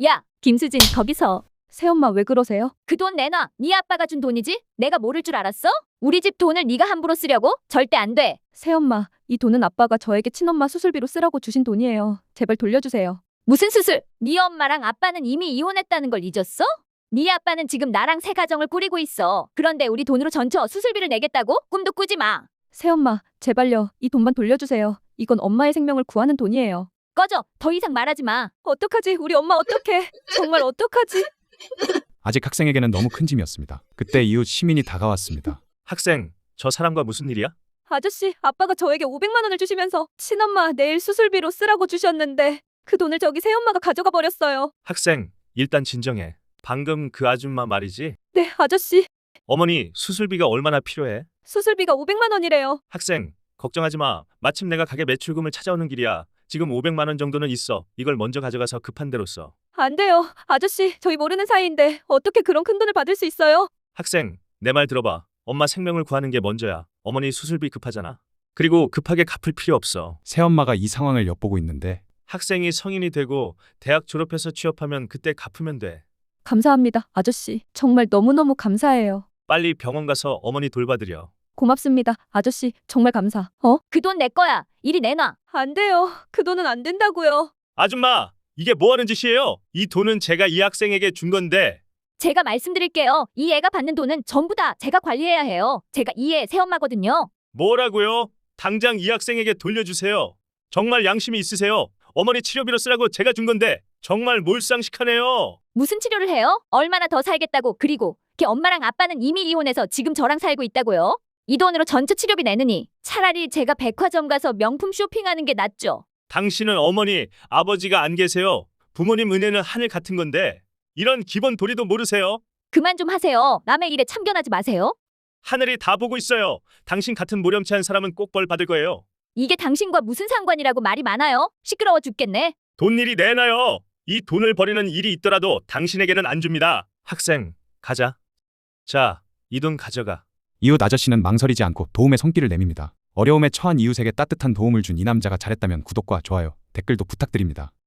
야, 김수진, 거기서. 새엄마 왜 그러세요? 그 돈 내놔. 네 아빠가 준 돈이지? 내가 모를 줄 알았어? 우리 집 돈을 네가 함부로 쓰려고? 절대 안 돼. 새엄마, 이 돈은 아빠가 저에게 친엄마 수술비로 쓰라고 주신 돈이에요. 제발 돌려주세요. 무슨 수술? 네 엄마랑 아빠는 이미 이혼했다는 걸 잊었어? 네 아빠는 지금 나랑 새 가정을 꾸리고 있어. 그런데 우리 돈으로 전처 수술비를 내겠다고? 꿈도 꾸지 마. 새엄마, 제발요. 이 돈만 돌려주세요. 이건 엄마의 생명을 구하는 돈이에요. 꺼져. 더 이상 말하지 마. 어떡하지? 우리 엄마 어떡해? 정말 어떡하지? 아직 학생에게는 너무 큰 짐이었습니다. 그때 이웃 시민이 다가왔습니다. 학생, 저 사람과 무슨 일이야? 아저씨, 아빠가 저에게 500만 원을 주시면서 친엄마 내일 수술비로 쓰라고 주셨는데 그 돈을 저기 새엄마가 가져가 버렸어요. 학생, 일단 진정해. 방금 그 아줌마 말이지? 네, 아저씨. 어머니, 수술비가 얼마나 필요해? 수술비가 500만 원이래요. 학생, 걱정하지 마. 마침 내가 가게 매출금을 찾아오는 길이야. 지금 500만 원 정도는 있어. 이걸 먼저 가져가서 급한 대로 써. 안 돼요. 아저씨, 저희 모르는 사이인데 어떻게 그런 큰 돈을 받을 수 있어요? 학생, 내 말 들어봐. 엄마 생명을 구하는 게 먼저야. 어머니 수술비 급하잖아. 그리고 급하게 갚을 필요 없어. 새엄마가 이 상황을 엿보고 있는데 학생이 성인이 되고 대학 졸업해서 취업하면 그때 갚으면 돼. 감사합니다, 아저씨. 정말 너무너무 감사해요. 빨리 병원 가서 어머니 돌봐드려. 고맙습니다, 아저씨. 정말 감사. 그 돈 내 거야. 이리 내놔. 안 돼요. 그 돈은 안 된다고요. 아줌마, 이게 뭐 하는 짓이에요? 이 돈은 제가 이 학생에게 준 건데. 제가 말씀드릴게요. 이 애가 받는 돈은 전부 다 제가 관리해야 해요. 제가 이 애 새엄마거든요. 뭐라고요? 당장 이 학생에게 돌려주세요. 정말 양심이 있으세요? 어머니 치료비로 쓰라고 제가 준 건데 정말 몰상식하네요. 무슨 치료를 해요? 얼마나 더 살겠다고. 그리고 걔 엄마랑 아빠는 이미 이혼해서 지금 저랑 살고 있다고요. 이 돈으로 전체 치료비 내느니 차라리 제가 백화점 가서 명품 쇼핑하는 게 낫죠. 당신은 어머니, 아버지가 안 계세요. 부모님 은혜는 하늘 같은 건데 이런 기본 도리도 모르세요? 그만 좀 하세요. 남의 일에 참견하지 마세요. 하늘이 다 보고 있어요. 당신 같은 모렴치한 사람은 꼭 벌 받을 거예요. 이게 당신과 무슨 상관이라고 말이 많아요? 시끄러워 죽겠네. 돈 일이 내놔요. 이 돈을 버리는 일이 있더라도 당신에게는 안 줍니다. 학생, 가자. 자, 이 돈 가져가. 이웃 아저씨는 망설이지 않고 도움의 손길을 내밉니다. 어려움에 처한 이웃에게 따뜻한 도움을 준 이 남자가 잘했다면 구독과 좋아요, 댓글도 부탁드립니다.